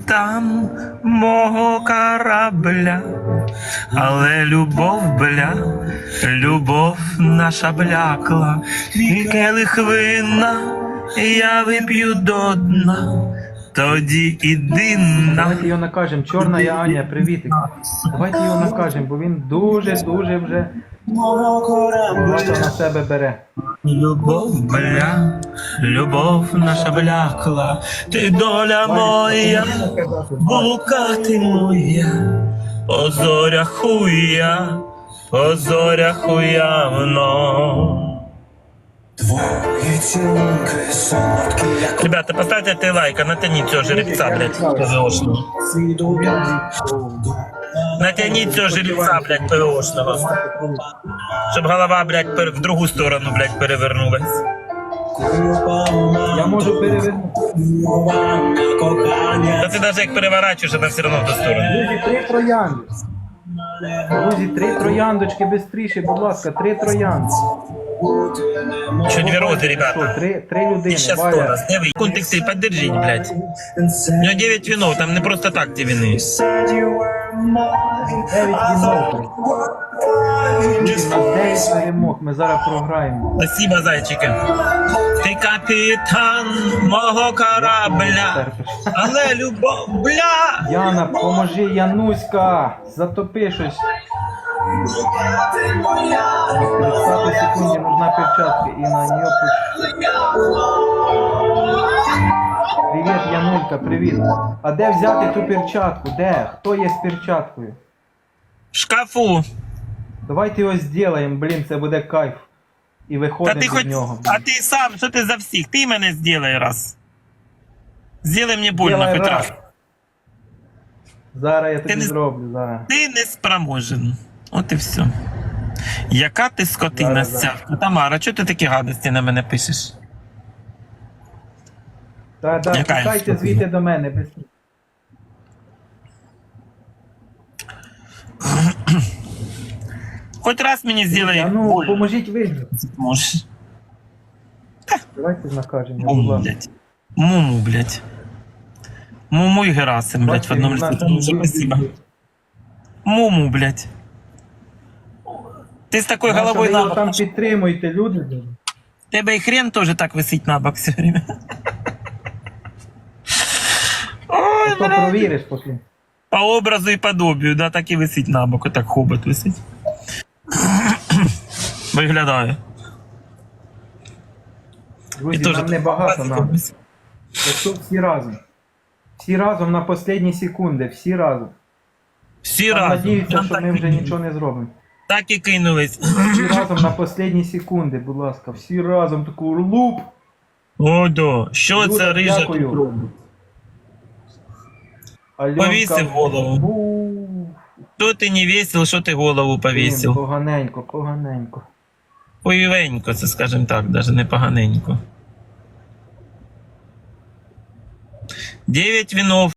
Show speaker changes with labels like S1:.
S1: капітан мого корабля, але любов, любов наша блякла, твій келих вина я вип'ю до дна, тоді іди на...
S2: Давайте його накажемо. Чорна Аня, привітик. Давайте його накажемо, бо він дуже вже багато на себе бере.
S1: Любов наша блякла, ти доля моя, блукати моя, по зорях уявно. Ребята, поставьте ты лайк, а натяни цього жеребца, блядь, ПВОшного. Натяніть цього жеребца, блядь, ПВОшного. Щоб голова, блядь, в другу сторону, блядь, перевернулась.
S2: Я можу перевернути.
S1: Та ти навіть як переворачуєш, вона все одно в ту сторону.
S2: Друзі, 3 троянди. Друзі, 3 трояндочки бистріше, будь ласка, 3 троянди.
S1: Що 2 рози, ребята.
S2: 3 людини.
S1: Сейчас 100 раз. Диви, контексти, поддержіть, блядь. У нього 9 вінов, там не просто так ті віни.
S2: 9 вінов. Друзі, у нас 9 перемог, ми зараз програємо.
S1: Спасибо, зайчики. Ти капітан мого корабля, але любов, бля!
S2: Яна, поможи, Януська! Затопи щось. 30 секунді нужна перчатка і на нее Привіт, Янулька, привіт. А де взяти ту перчатку? Де? Хто є з перчаткою?
S1: В шкафу.
S2: Давайте його зробимо, блін, це буде кайф. І
S1: Та
S2: виходимо
S1: ти
S2: від
S1: хоч,
S2: нього.
S1: а ти сам, що ти за всіх? Ти мене зробай раз. Зроби мені больно
S2: Зробай
S1: хоч
S2: раз.
S1: раз.
S2: Зараз я тобі
S1: не-
S2: зроблю, зараз.
S1: Ти не спроможен. От і все. Яка ти скотина
S2: Зараз,
S1: стявка. Тамара, чого ти такі гадості на мене пишеш?
S2: Так,
S1: Яка
S2: тікайте
S1: я
S2: звідти до мене. Без...
S1: Хоч раз мені зроби
S2: Ну,
S1: больно.
S2: поможіть вижити.
S1: Можеш.
S2: Давайте накажемо, будь
S1: Муму,
S2: ласка.
S1: блядь. Муму, блядь. Муму і Герасим, блядь, в одному лице. Дуже спасибо. Муму, блядь. Ти з такою
S2: Наша,
S1: головою
S2: ви його
S1: на
S2: там
S1: бок.
S2: підтримуйте, люди.
S1: Тебе і хрен теж так висить на бок все время. Ой,
S2: То
S1: блядь.
S2: провіриш потім.
S1: По образу і подобію, да, так і висить на бок, отак хобот висить. Виглядає.
S2: Друзі,
S1: теж
S2: нам
S1: так
S2: небагато
S1: класиком
S2: нам.
S1: висить.
S2: Якщо всі разом. Всі разом на останні секунди, всі разом.
S1: Всі
S2: Там
S1: разом.
S2: надіються,
S1: Там
S2: що
S1: так
S2: ми
S1: і
S2: вже
S1: кинулись.
S2: нічого не зробимо.
S1: Так і кинулись.
S2: Всі разом на останні секунди, будь ласка. Всі разом таку луп.
S1: О, да. Що
S2: Люда,
S1: це рижа
S2: дякую.
S1: тут робить?
S2: Альонка.
S1: Повісив голову.
S2: Бу.
S1: Що ти не весел, що ти голову
S2: Блін,
S1: повісив?
S2: поганенько, поганенько.
S1: Поївенько, це скажем так, даже не поганенько. 9 вінов.